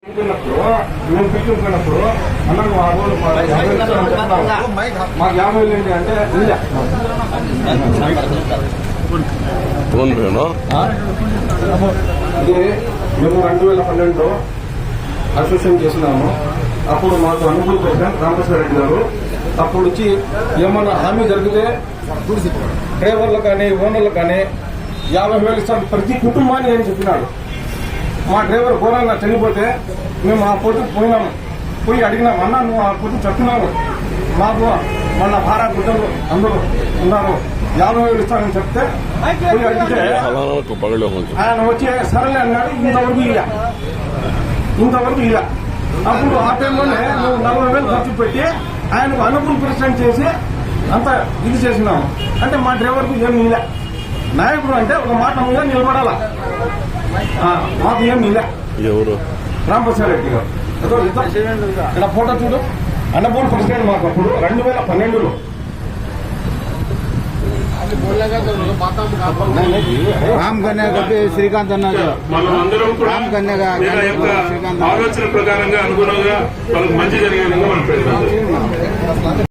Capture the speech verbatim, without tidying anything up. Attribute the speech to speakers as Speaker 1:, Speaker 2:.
Speaker 1: మేము పిలుచుకున్నప్పుడు అన్న ఆ రోజు మాకు యాభై వేలు ఏంటి అంటే ఇది మేము రెండు వేల పన్నెండులో అసోసియేషన్ చేసినాము. అప్పుడు మాకు అనుకూల ప్రెసిడెంట్ రామకృష్ణ రెడ్డి గారు అప్పుడు వచ్చి ఏమన్నా హామీ జరిగితే డ్రైవర్లు కానీ ఓనర్లు కానీ యాభై వేలు ఇస్తాం ప్రతి కుటుంబాన్ని అని చెప్పినాడు. మా డ్రైవర్ ఘోరంగా చనిపోతే మేము ఆ పొద్దు పోయినాము. పోయి అడిగినాం, అన్న నువ్వు ఆ పొద్దు చెప్తున్నావు మాకు మన భారత బిడ్డలు అందరూ ఉన్నారు, యాభై వేలు ఇస్తానని చెప్తే పోయి అడిగితే ఆయన వచ్చి సరేలే అన్నాడు. ఇంతవరకు ఇలా ఇంతవరకు ఇలా అప్పుడు ఆ టైంలోనే నువ్వు నలభై వేలు ఖర్చు పెట్టి ఆయనకు అనుకూల ప్రెసిడెంట్ చేసి అంత ఇది చేసినాము. అంటే మా డ్రైవర్కు ఏం ఇలా నాయకుడు అంటే ఒక మాట మీద నిలబడాలా, మాకు ఏం ఇలా. ఎవరు? రామప్రసాద్ రెడ్డి గారు. ఇక్కడ ఫోటో చూడు, అన్నపూర్ణ ప్రెసిడెంట్ మాకు అప్పుడు రెండు వేల పన్నెండులో
Speaker 2: రామ్ కన్యా కప్పి శ్రీకాంత్ అన్నారు. రామ్ కన్యా
Speaker 3: ఆలోచన ప్రకారంగా అనుగుణంగా వాళ్ళకి మంచి జరిగే విధంగా మనం